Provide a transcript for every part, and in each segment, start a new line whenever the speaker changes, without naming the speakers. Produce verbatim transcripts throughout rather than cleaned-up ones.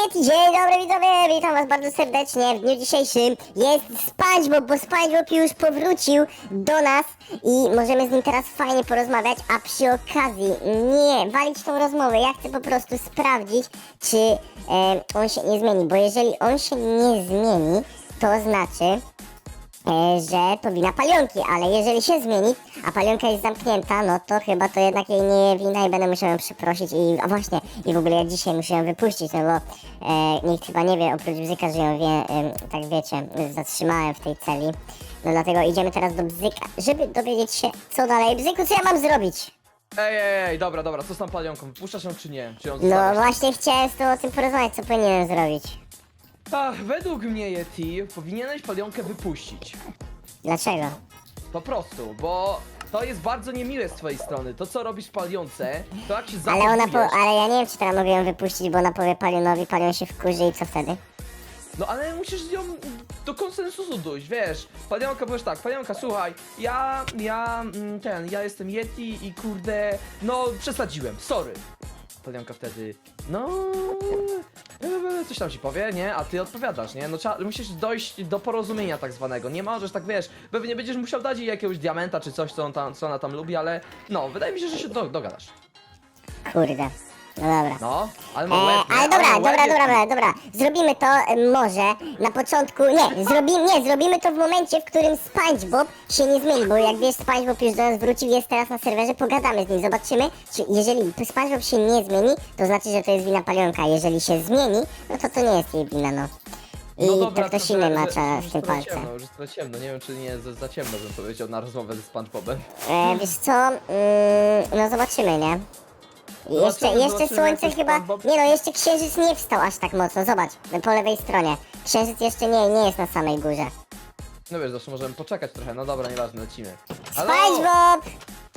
Yeti, dzień dobry widzowie, witam was bardzo serdecznie w dniu dzisiejszym. Jest SpongeBob, bo SpongeBob już powrócił do nas i możemy z nim teraz fajnie porozmawiać, a przy okazji nie walić tą rozmowę, ja chcę po prostu sprawdzić, czy e, on się nie zmieni, bo jeżeli on się nie zmieni, to znaczy, E, że to wina Palionki, ale jeżeli się zmieni, a Palionka jest zamknięta, no to chyba to jednak jej nie wina i będę musiał ją przeprosić i, a właśnie, i w ogóle ja dzisiaj muszę ją wypuścić, no bo e, nikt chyba nie wie, oprócz Bzyka, że ją wie, e, tak wiecie, zatrzymałem w tej celi, no dlatego idziemy teraz do Bzyka, żeby dowiedzieć się, co dalej. Bzyku, co ja mam zrobić?
Ej, ej, ej, dobra, dobra, co z tą palionką? Wypuszczasz ją czy nie? Czy ją
No
zostawiasz?
właśnie chciałem z tobą o tym porozmawiać, co powinienem zrobić.
Ach, według mnie, Yeti, powinieneś palionkę wypuścić.
Dlaczego?
Po prostu, bo to jest bardzo niemiłe z twojej strony. To, co robisz palionce, to jak się
Ale ona po,
zachowujesz...
ale ja nie wiem, czy teraz mogę ją wypuścić, bo ona powie Palionowi, Palion się wkurzy i co wtedy?
No ale musisz z nią do konsensusu dojść, wiesz. Palionka, powiesz tak, palionka, słuchaj, ja, ja, mm, ten, ja jestem Yeti i kurde, no przesadziłem, sorry. Palionka wtedy, no, e, coś tam ci powie, nie? A ty odpowiadasz, nie? No trzeba, musisz dojść do porozumienia tak zwanego. Nie możesz tak, wiesz, pewnie będziesz musiał dać jej jakiegoś diamenta czy coś, co, on tam, co ona tam lubi, ale no, wydaje mi się, że się do, dogadasz.
Kurde. No dobra.
No, ale ma
E,
łeb, nie?
ale dobra,
ma łeb,
dobra,
Yeti.
dobra, dobra. Zrobimy to e, może na początku. Nie, zrobimy, nie, zrobimy to w momencie, w którym SpongeBob się nie zmieni, bo jak wiesz, SpongeBob już do nas wrócił, jest teraz na serwerze, pogadamy z nim, zobaczymy, czy jeżeli SpongeBob się nie zmieni, to znaczy, że to jest wina Palionka. Jeżeli się zmieni, no to to nie jest jej wina, no. I
No dobra,
to ktoś
że-
inny
że-
macza
że
w tym
trochę
palce.
Ciemno, już jest trochę ciemno, nie wiem czy nie jest za, za ciemno bym powiedział na rozmowę ze SpongeBobem.
E, wiesz co, mm, no zobaczymy, nie? I Jeszcze,
Zobaczymy,
jeszcze
zobaczymy,
słońce
jak to
chyba,
SpongeBob-
nie no, jeszcze księżyc nie wstał aż tak mocno, zobacz, po lewej stronie. Księżyc jeszcze nie, nie jest na samej górze.
No wiesz, zawsze możemy poczekać trochę, no dobra, nieważne, lecimy.
SpongeBob!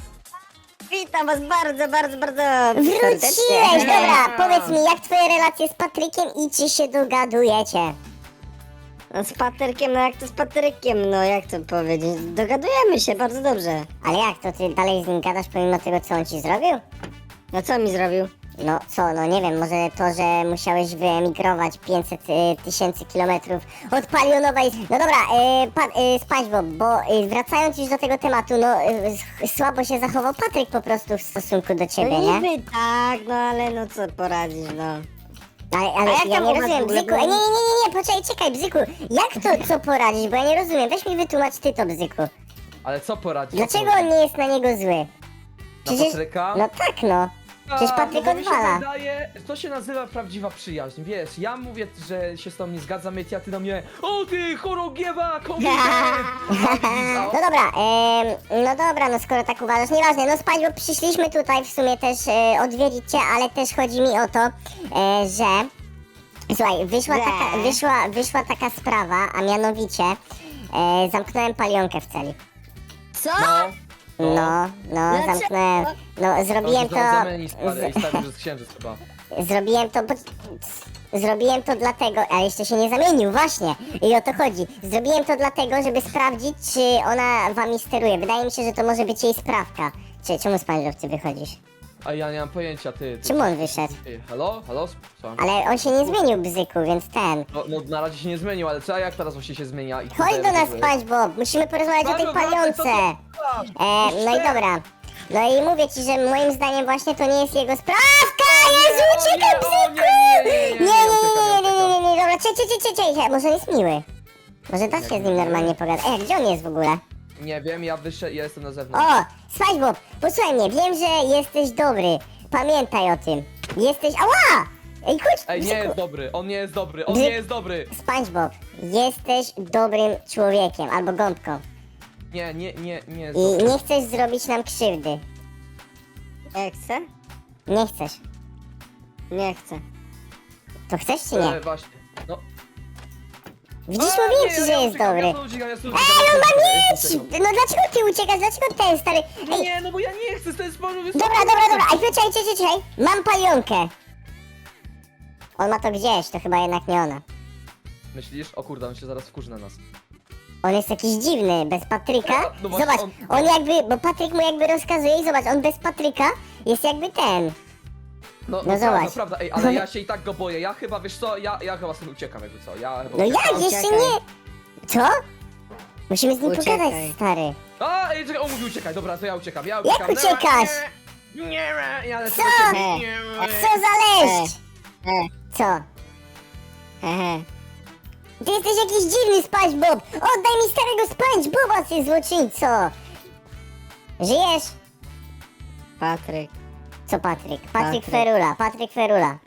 Witam was bardzo, bardzo, bardzo
Wróciłeś! Dobra, powiedz mi, jak twoje relacje z Patrykiem i czy się dogadujecie?
No z Patrykiem, no jak to z Patrykiem, no jak to powiedzieć, dogadujemy się bardzo dobrze.
Ale jak, to ty dalej z nim gadasz pomimo tego, co on ci zrobił?
No co mi zrobił?
No co, no nie wiem, może to, że musiałeś wyemigrować pięćset tysięcy kilometrów od Palionowej... No dobra, y, pa, y, SpongeBob, bo y, wracając już do tego tematu, no y, słabo się zachował Patryk po prostu w stosunku do ciebie,
No
nie?
niby tak, no ale no co poradzisz, no.
Ale, ale
jak
ja
tam
nie
u was
rozumiem,
w ogóle
Bzyku, e, nie,
było?
nie, nie, nie, nie, poczekaj, czekaj, Bzyku, jak to, co poradzić, bo ja nie rozumiem, weź mi wytłumacz ty to, Bzyku.
Ale co poradzić?
Dlaczego on nie jest na niego zły?
Na Patryka?
No tak, no. Przecież
A,
Patryk
no bo mi się
odwala.
wydaje, to się nazywa prawdziwa przyjaźń, wiesz, ja mówię, że się z tobą nie zgadzam, a ty do mnie, o ty chorągiewa, kobieta!
No dobra, em, no dobra, no skoro tak uważasz, nieważne, no SpongeBob, przyszliśmy tutaj w sumie też e, odwiedzić cię, ale też chodzi mi o to, e, że... Słuchaj, wyszła
Nie.
taka, wyszła, wyszła taka sprawa, a mianowicie e, zamknąłem Palionkę w celi.
Co?
No,
No, no,
Dlaczego?
zamknąłem, no zrobiłem to...
Zamieni stary, i stary, że jest księżyc chyba.
Zrobiłem to, bo... Zrobiłem to dlatego, a jeszcze się nie zamienił, właśnie. I o to chodzi. Zrobiłem to dlatego, żeby sprawdzić, czy ona wami steruje. Wydaje mi się, że to może być jej sprawka. Czy, czemu SpongeBob ty wychodzisz?
A ja nie mam pojęcia, ty. ty
Czemu on wyszedł?
Ty, halo? Halo? Słucham.
Ale on się nie zmienił, Bzyku, więc ten...
No, no na razie się nie zmienił, ale co, a jak teraz właśnie się zmienia? I
Chodź do nas, SpongeBob! Musimy porozmawiać o tej
SpongeBob,
palionce!
wracaj,
E, no i dobra. No i mówię ci, że moim zdaniem właśnie to nie jest jego sprawka! Jezu, uciekaj, Bzyku! Nie, nie, nie, nie, nie, nie, nie, nie, dobra, cie, cie, cie, cie, cie, może on jest miły. Może da się z nim normalnie pogadać. Ej, gdzie on jest w ogóle?
Nie wiem, ja wyszedłem, ja jestem na zewnątrz.
O, SpongeBob, posłuchaj mnie, wiem, że jesteś dobry. Pamiętaj o tym. Jesteś... Ała! Ej, chodź,
Ej, nie
Bzyku.
jest dobry, on nie jest dobry, on
Bzy-
nie jest dobry!
SpongeBob, jesteś dobrym człowiekiem, albo gąbką.
Nie, nie, nie, nie jest
I
dobry.
nie chcesz zrobić nam krzywdy.
Jak chcę?
Nie chcesz.
Nie chcę.
To chcesz czy nie?
E, właśnie, no.
Widzisz,
A,
mówiłem
nie,
ci,
ja
że jest
uciekam,
dobry.
Ja tu uciekam, ja tu
Ej,
uciekam,
on
ja tu
ma
uciekam, ja tu
mieć!
uciekam.
No dlaczego ty uciekasz? Dlaczego ten stary? Ej,
Nie, no bo ja nie chcę, to jest sposób...
dobra, dobra, dobra, ej, czekaj, czekaj, czekaj. Mam palionkę. On ma to gdzieś, to chyba jednak nie ona.
Myślisz? O kurde, on się zaraz wkurzy na nas.
On jest jakiś dziwny, bez Patryka.
No, no właśnie,
Zobacz,
on-
on jakby, bo Patryk mu jakby rozkazuje i zobacz, on bez Patryka jest jakby ten.
No, no,
No
prawda,
zobacz.
prawda, ej, ale ja się i tak go boję. Ja chyba, wiesz co, ja, ja chyba sobie uciekam jakby co. Ja chyba
No
uciekam.
jak? Jeszcze
Uciekaj.
nie! Co? Musimy z nim
Uciekaj.
pogadać, stary.
A, ej, czekaj, on mówi uciekaj, dobra, to ja uciekam, ja
Jak
uciekam.
uciekasz?
Nie, nie, nie, ja lecę
Co?
do ciebie. Nie,
A co za leszcz?
E,
Co?
Ehe.
Ty jesteś jakiś dziwny SpongeBob! Oddaj mi starego SpongeBoba, ty złoczyńco! Żyjesz?
Patryk.
Co Patryk? Patryk
Patryk.
Ferula, Patryk Ferula.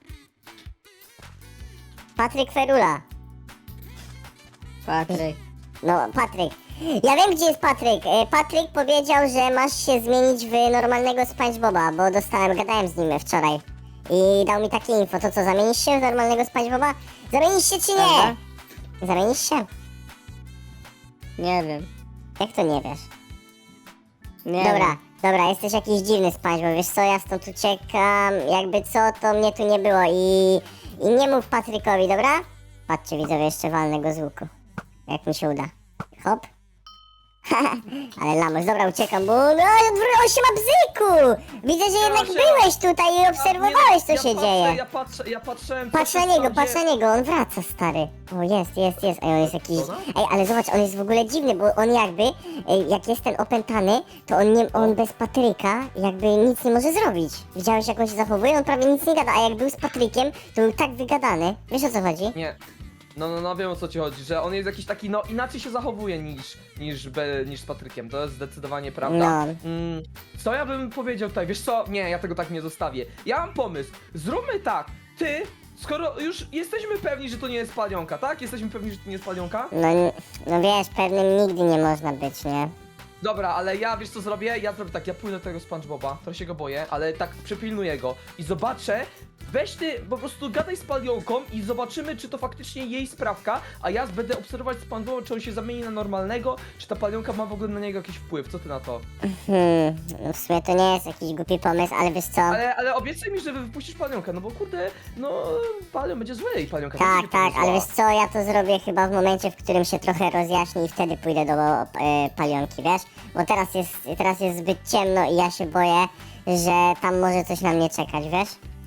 Patryk Ferula.
Patryk.
No, Patryk. Ja wiem, gdzie jest Patryk. E, Patryk powiedział, że masz się zmienić w normalnego SpongeBoba, bo dostałem, gadałem z nim wczoraj. I dał mi takie info. To co, zamienisz się w normalnego SpongeBoba? Zamienisz się czy nie?
Dobra.
Zamienisz się?
Nie wiem.
Jak to nie wiesz?
Nie
Dobra,
wiem.
dobra, jesteś jakiś dziwny SpongeBob, wiesz co, ja stąd uciekam, jakby co, to mnie tu nie było i... I nie mów Patrykowi, dobra? Patrzcie widzowie, jeszcze walnę go z łuku. Jak mi się uda. Hop. Ale lamus, dobra, uciekam, bo no, on się ma bzyku! Widzę, że jednak
się-
byłeś tutaj i obserwowałeś, co
ja
się
patrzę,
dzieje.
Ja patrzę, ja patrzyłem...
Patrz
co
na
się
niego,
tam
patrz na
dzieje.
niego, on wraca, stary. O, jest, jest, jest. Ej, on jest jakiś...
Co, no?
Ej, ale zobacz, on jest w ogóle dziwny, bo on jakby, ej, jak jest ten opętany, to on nie, on bez Patryka jakby nic nie może zrobić. Widziałeś, jak on się zachowuje? On prawie nic nie gada, a jak był z Patrykiem, to był tak wygadany. Wiesz, o co chodzi?
Nie. No, no, no, wiem o co ci chodzi, że on jest jakiś taki, no, inaczej się zachowuje niż, niż, be, niż z Patrykiem, to jest zdecydowanie prawda.
No.
Mm, co ja bym powiedział tutaj, wiesz co, nie, ja tego tak nie zostawię. Ja mam pomysł, zróbmy tak, ty, skoro już jesteśmy pewni, że to nie jest palionka, tak? Jesteśmy pewni, że to nie jest palionka?
No, n- no wiesz, pewnym nigdy nie można być, nie?
Dobra, ale ja wiesz co zrobię? Ja zrobię tak, ja pójdę do tego SpongeBoba, trochę się go boję, ale tak przepilnuję go i zobaczę. Weź ty, po prostu gadaj z palionką i zobaczymy, czy to faktycznie jej sprawka, a ja będę obserwować SpongeBoba, czy on się zamieni na normalnego, czy ta palionka ma w ogóle na niego jakiś wpływ, co ty na to?
Hmm, no w sumie to nie jest jakiś głupi pomysł, ale wiesz co?
Ale, ale obiecaj mi, że wypuścisz palionkę, no bo kurde, no palion będzie zły i palionka
Tak,
będzie
tak,
zła.
ale wiesz co, ja to zrobię chyba w momencie, w którym się trochę rozjaśni i wtedy pójdę do e, palionki, wiesz? Bo teraz jest, teraz jest zbyt ciemno i ja się boję, że tam może coś na mnie czekać, wiesz?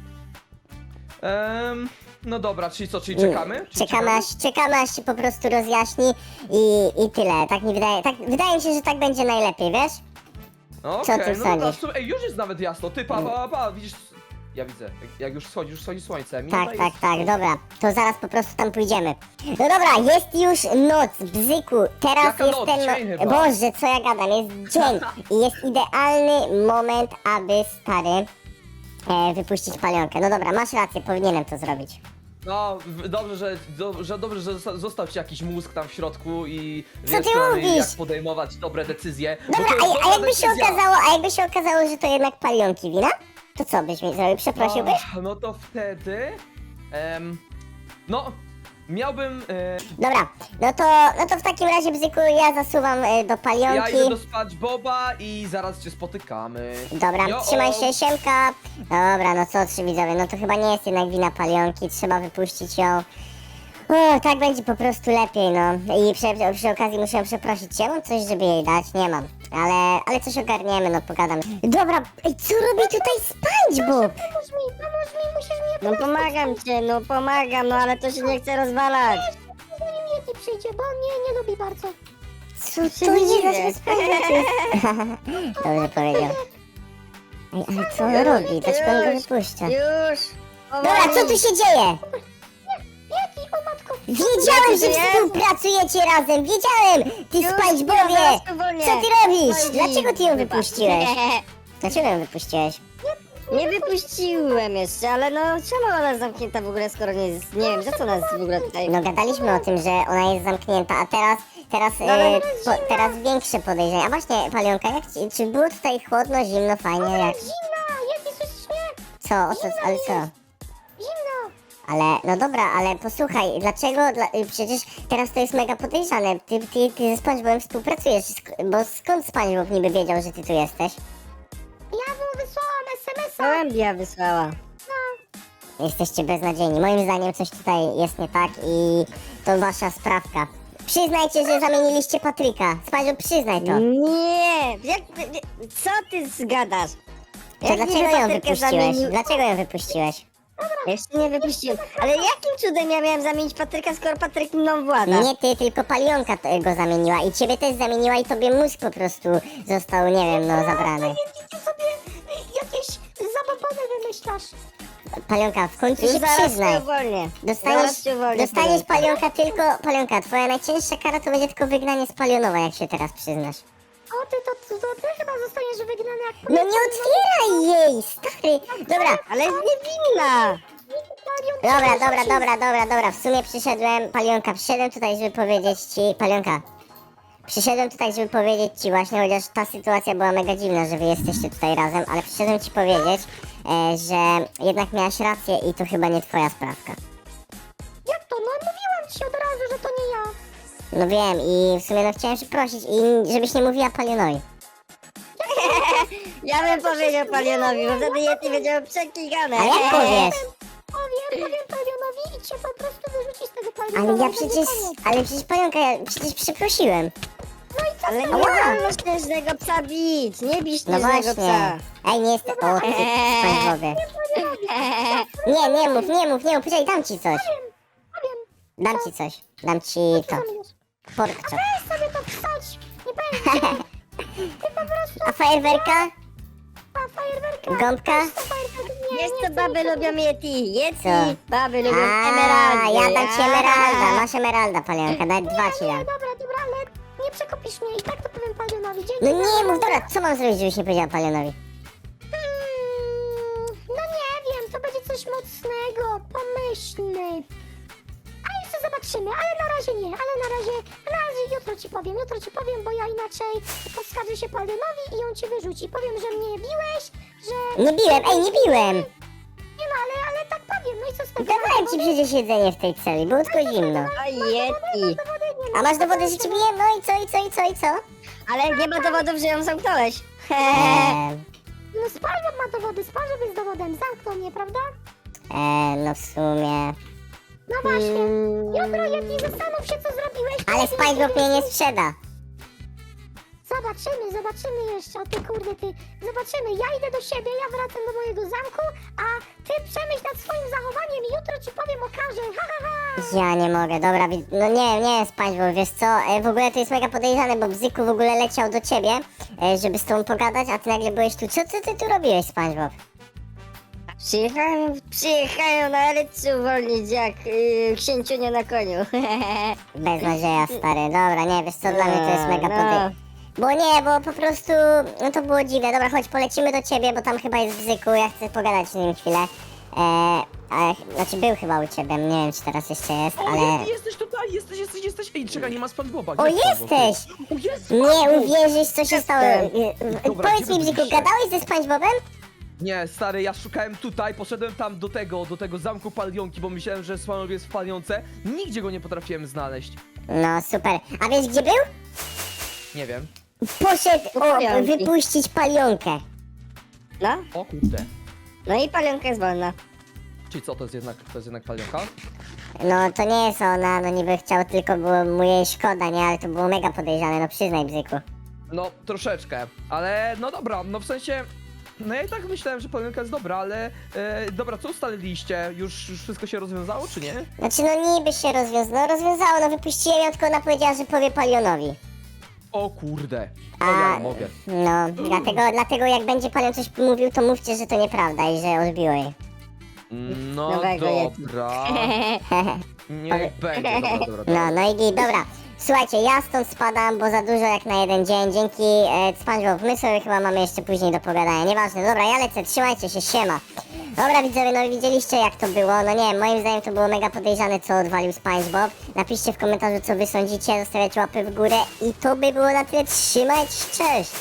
Em, no dobra, czyli co, czyli czekamy? Czyli
Czekamy aż, czekamy aż się po prostu rozjaśni i, i tyle. Tak mi wydaje, tak, wydaje mi się, że tak będzie najlepiej, wiesz?
No
Co
okej,
ty
no dobra,
sądzisz?
w sumie- ej, już jest nawet jasno, ty pa, pa, pa, widzisz, ja widzę, jak, jak już schodzi, już schodzi słońce, minuta
Tak, tak,
jest-
tak, dobra, to zaraz po prostu tam pójdziemy. No dobra, jest już noc, bzyku, teraz
Jaka
jest
noc?
ten...
Dzień chyba.
Boże, co ja gadam, jest dzień i jest idealny moment, aby, stary, e, wypuścić palionkę. No dobra, masz rację, powinienem to zrobić.
No, w- dobrze, że, do, że dobrze, że zosta- został ci jakiś mózg tam w środku i
Co
wiesz,
ty
przynajmniej
mówisz?
jak podejmować dobre decyzje. bo
Dobra,
to jest
a, a
dobra
jakby się
decyzja.
okazało, a jakby się okazało, że to jednak palionki wina? To co byś mi zrobił, przeprosiłbyś?
No, no to wtedy, em, no, miałbym, e,
Dobra, no to, no to w takim razie, bzyku, ja zasuwam e, do
ja
palionki.
idę do SpongeBoba i zaraz cię spotykamy.
Dobra,
Jo,
trzymaj
o.
się, siemka. Dobra, no co, trzy widzowie, no to chyba nie jest jednak wina palionki, trzeba wypuścić ją. O, tak będzie po prostu lepiej, no. I przy, przy okazji muszę przeprosić, czy ja mam coś, żeby jej dać? Nie mam. Ale, ale coś ogarniemy, no pogadam. Dobra, ej, co robi tutaj SpongeBob?
Pomóż mi, pomóż mi, musisz mnie
No pomagam cię, no pomagam, no ale to się nie chce rozwalać.
zanim Yeti przyjdzie, bo on mnie nie lubi bardzo.
Co
się
to
nie
jest
dziwię.
za SpongeBob? Dobrze powiedział. Ej, ale co on robi? Dlaczego on go
Już,
wypuszcza?
Już!
Dobra, co tu się dzieje?
Yeti, o matko,
Wiedziałem, że
Jest.
współpracujecie razem! Wiedziałem! Ty
Już,
SpongeBobie!
zaraz tu wolnie.
Co ty robisz?
Chodzi.
Dlaczego ty ją
Wybacz.
wypuściłeś? Dlaczego ją wypuściłeś?
Nie wypuściłem jeszcze, ale no czemu ona jest zamknięta w ogóle, skoro nie jest, nie wiem, za co nas w ogóle tutaj...
No gadaliśmy o tym, że ona jest zamknięta, a teraz, teraz,
ale
e, po, teraz większe podejrzenia. A właśnie, Palionka, jak ci, czy było tutaj chłodno, zimno, fajnie, jak...
zimna, Yeti, słyszysz mnie?
Co? O co? Ale co?
Zimno.
Ale, no dobra, ale posłuchaj, dlaczego, dla, y, przecież teraz to jest mega podejrzane. Ty, ty, ty ze SpongeBobem współpracujesz, sk- bo skąd SpongeBob niby wiedział, że ty tu jesteś?
Ja mu wysłałam es em es a.
Gołębia wysłała.
Jesteście beznadziejni. Moim zdaniem coś tutaj jest nie tak i to wasza sprawka. Przyznajcie, że zamieniliście Patryka. SpongeBob, przyznaj to.
Nie! Jak, co ty zgadasz?
To
Jak
dlaczego
niby
ją
patyrkę
wypuściłeś?
zamienił-
Dlaczego ją wypuściłeś?
Jeszcze nie wypuściłem. Ale jakim cudem ja miałem zamienić Patryka, skoro Patryk mną włada?
Nie ty, tylko palionka to- go zamieniła i ciebie też zamieniła i tobie mózg po prostu został, nie wiem, no zabrany.
Yeti, ty sobie jakieś zabobony wymyślasz.
Palionka, w końcu
Już
się
zaraz
przyznaj.
cię uwolnię.
Dostaniesz,
Zaraz cię uwolnię,
dostaniesz
Palionka.
palionka tylko, palionka, twoja najcięższa kara to będzie tylko wygnanie z palionowa, jak się teraz przyznasz.
O, ty to, to, to ty chyba zostaniesz wygnany jak
No nie otwieraj jej, stary! Dobra,
Ale jest niewinna!
dobra, dobra, dobra, dobra, dobra, w sumie przyszedłem, palionka, przyszedłem tutaj, żeby powiedzieć ci, palionka, przyszedłem tutaj, żeby powiedzieć ci właśnie, chociaż ta sytuacja była mega dziwna, że wy jesteście tutaj razem, ale przyszedłem ci powiedzieć, e, że jednak miałaś rację i to chyba nie twoja sprawka.
Jak to? No mówiłam ci od razu, że to nie ja.
No wiem i w sumie no chciałem się prosić i żebyś nie mówiła palionowi.
Ja bym powiedział Palionowi, bo wtedy Yeti będzie przeklikane.
Ale jak powiesz?
Powiem, powiem Palionowi i cię po prostu wyrzuci z tego Paliona.
Ale ja
Będzie
przecież,
koniec.
ale przecież palionka, ja przecież przeprosiłem.
No i co
Ale
z
nie
tego?
wolno śnieżnego psa bić, nie bij
No
śnieżnego
właśnie.
psa.
Ej, nie jestem, o ty, SpongeBobie. Nie, nie mów, nie mów, nie mów, poczekaj, dam ci coś.
Powiem,
Dam ci coś, dam ci to,
co zamierzasz?
pork chop.
Weź sobie to wstać. Nie będzie. Ty po prostu
A fajerwerka?
ma fajerwerka.
Gąbka?
To fajerwerka. Nie,
Wiesz
nie
co
chcę
baby
nikogo.
lubią Yeti? Yeti,
Co?
baby lubią
A,
emeraldy.
ja dam ci emeralda,
A.
masz emeralda, palionka, nawet dwa ci
Nie,
dam.
dobra, dobra, ale nie przekopisz mnie i tak to powiem Palionowi. Dzięki.
No
za
nie mów,
porę.
dobra, co mam zrobić, żebyś nie powiedziała palionowi?
Hmm, no nie wiem, to będzie coś mocnego, pomyślny. A jeszcze zobaczymy, ale na razie nie, ale na razie, na razie jutro ci powiem, jutro ci powiem, bo ja inaczej poskarżę się Palionowi i on cię wyrzuci. Powiem, że mnie biłeś, że...
Nie biłem, ej, nie biłem!
Nie no, ale, ale tak powiem, no i co z tego?
Dawałem ci przecież jedzenie w tej celi, było tylko zimno.
O Yeti.
Dowody nie ma.
A masz dowody, że ci biłem? No i co, i co, i co, i co?
Ale nie ma dowodów, że ją zamknąłeś.
Eee,
No SpongeBob ma dowody, SpongeBob jest dowodem, zamknął mnie, prawda?
eee, no w sumie...
No właśnie.
Mm.
Jutro, Yeti, zastanów się, co zrobiłeś.
Ale
Powiedz mi,
SpongeBob mnie nie
co-
sprzeda.
Zobaczymy, zobaczymy jeszcze, o ty kurde, ty. Zobaczymy, ja idę do siebie, ja wracam do mojego zamku, a ty przemyśl nad swoim zachowaniem i jutro ci powiem, okażę, ha, ha, ha.
Ja nie mogę, dobra, wi- no nie, nie, SpongeBob, wiesz co, e, w ogóle to jest mega podejrzane, bo Bzyku w ogóle leciał do ciebie, e, żeby z tobą pogadać, a ty nagle byłeś tu. Co ty, ty tu robiłeś, SpongeBob?
Przyjechałem, przyjechałem na Erycy uwolnić jak yy, księciunia na koniu.
Bez nadzieja, stary, dobra, nie, wiesz co, dla mnie to jest mega
No.
podejrzane. Bo nie, bo po prostu, no to było dziwne. Dobra, chodź, polecimy do ciebie, bo tam chyba jest Bzyku, ja chcę pogadać z nim chwilę. Eee, ale, znaczy był chyba u ciebie, nie wiem czy teraz jeszcze jest,
O,
ale...
Yeti, jesteś tutaj, jesteś, jesteś, jesteś. Ej, czekaj, nie ma SpongeBoba.
O,
Gdzie jest SpongeBob?
jesteś!
O, jest
Nie
SpongeBob!
uwierzysz, co się stało.
Jestem.
E,
Dobra,
Powiedz
gdzie
mi,
wy
Bzyku,
byliście?
gadałeś ze SpongeBobem?
Nie, stary, ja szukałem tutaj, poszedłem tam do tego, do tego zamku palionki, bo myślałem, że SpongeBob jest w palionce. Nigdzie go nie potrafiłem znaleźć.
No, super. A wiesz gdzie był?
Nie wiem.
Poszedł o,
Palionki.
wypuścić palionkę.
No,
O kurde.
no i palionka jest wolna.
Czyli co, to jest jednak, to jest jednak palionka?
No, to nie jest ona, no niby chciał, tylko było mu jej szkoda, nie? Ale to było mega podejrzane, no przyznaj, Bzyku.
No, troszeczkę, ale no dobra, no w sensie... No ja i tak myślałem, że palionka jest dobra, ale... E, dobra, co ustaliliście? Już, już wszystko się rozwiązało, czy nie?
Znaczy, no niby się rozwiązało, no rozwiązało, no wypuściłem ją, tylko ona powiedziała, że powie palionowi.
O kurde. No ja nie mogę.
No, dlatego, dlatego jak będzie palion coś mówił, to mówcie, że to nieprawda i że odbiło jej.
No
Nowego Yeti.
dobra. Niech będzie, dobra, dobra, dobra.
No, no i git, dobra. Słuchajcie, ja stąd spadam, bo za dużo jak na jeden dzień. Dzięki e, SpongeBob, my sobie chyba mamy jeszcze później do pogadania. Nieważne, dobra, ja lecę, trzymajcie się, siema. Dobra widzowie, no i widzieliście jak to było. No nie, moim zdaniem to było mega podejrzane, co odwalił SpongeBob. Napiszcie w komentarzu, co wy sądzicie, zostawiajcie łapy w górę i to by było na tyle. Trzymajcie się, cześć!